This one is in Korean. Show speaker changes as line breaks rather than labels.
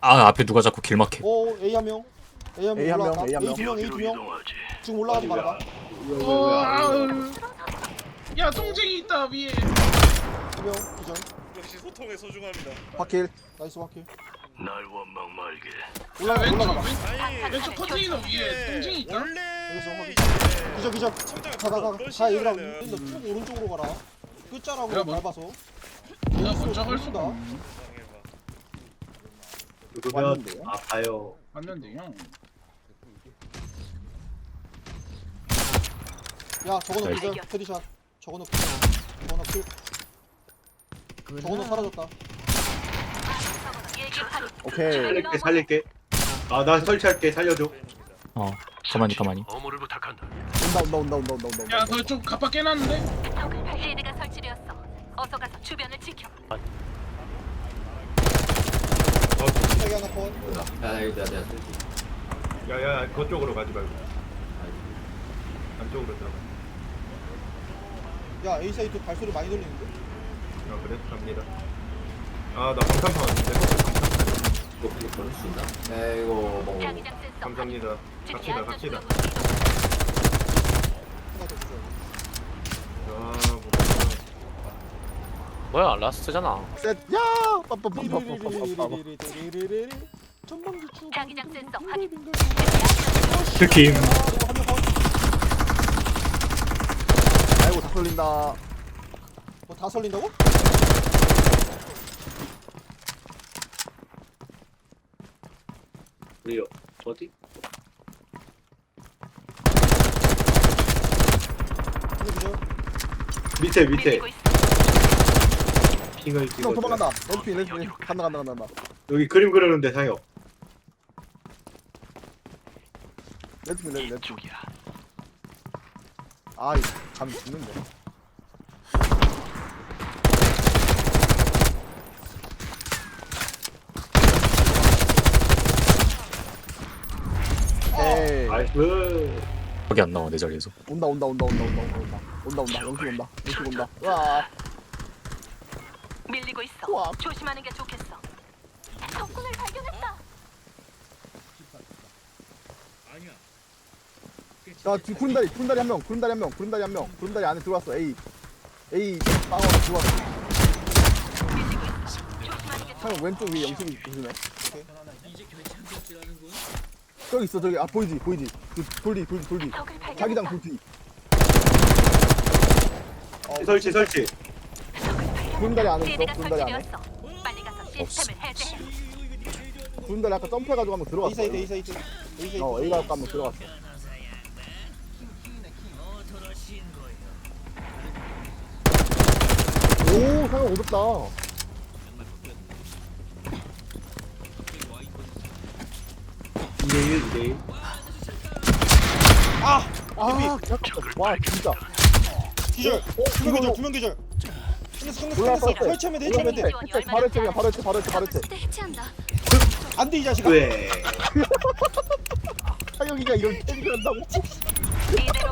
아 앞에 누가 자꾸 길 막혀.
오 A 한 명. A 한 명
A 한 명,
올라왔다.
A 한 명.
A 두 명, A 두 명. 지금 올라가지 말아봐.
야 동쟁이 있다 위에.
두 명, 기절.
역시 소통의 소중합니다.
확킬.
나이스 확킬.
날 원망 말게.
올라가,
왼쪽
올라가봐.
아니
왼쪽 컨테이너 위에 동쟁이 있다.
원래
여기서 확인.
이제
기절, 기절.
시청자가
가가
그런
다 얘들아.
시절에는
쭉 오른쪽으로 가라. 끝자락으로
내가 뭐-
밟아서.
내가 먼저 갈 수가
다
없네.
누르면
왔는데요?
아파요.
맞는데요.
야, 저거는
나이스.
기절. 헤드샷. 저거는 기절. 저거는 킬. 저거는 사라졌다.
오케이.
살릴게 살릴게. 아 나 설치할게 살려줘.
어 가만히.
어무를 부탁한다.
온다.
야 너 좀 갑박 깨놨는데?
헤드가 설치되었어. 어서 가서 주변을 지켜.
세개 하나 컷.
야 이거 내가
야야 그쪽으로 가지 말고. 안쪽으로 들어가.
야, A 사이트 발소리 많이 들리는데?
아 그래 갑니다. 아나 방탄판 왔는데.
이거 그럴 수 있나? 야 이거 뭐
자기장 센서.
감사합니다. 갑시다 갑시다.
하나 더 기절.
아
뭐야 라스트잖아.
셋. 야. 빠빠빠빠빠빠빠.
리리리리리리리리리리. 전방지 추.
자기장 센서 확인.
들킴.
한명 컷.
아이고 다 쏠린다.
뭐다 설린다고?
우리요 어디?
한명 기절.
밑에 밑에
밀리고 있어.
핑을
형
찍어.
도망간다. 레드핀. 간다.
여기 그림 그리는데 상혁.
레드핀. 아, 이거 감 죽는데. 에이.
나이스.
거기 안 나와 내 자리에서.
온다. 영식 온다. 와.
밀리고 있어.
우와.
조심하는 게 좋겠어. 적군을 발견했다.
자, 구름다리 한 명. 구름다리 안에 들어왔어. A 방어로 들어왔어.
밀리고 있어. 조심하는 게
형 왼쪽 위에 영식이 조심해.
오케이.
저기 있어. 저기. 아, 보이지. 그 돌리.
적을
자기장
발견했다.
돌리.
설치.
구름다리 안에 있어.
헤드가
구름다리 안에.
설치되었어. 빨리 가서 시스템을 해제해.
구름다리 아까 점프해가지고 한번
A
들어갔어.
사이트, A 사이트. A 사이트.
A가 아까 한번 들어갔어. 오, 상영 어렵다.
이대일.
아, 와, 진짜.
기절. 두명 기절. 끝냈어.
올라왔어.
설치하면 돼.
바로 해체.
해체한다.
안 돼, 이 자식아.
왜?
상영이가 이런 캐릭을 한다고?
이대로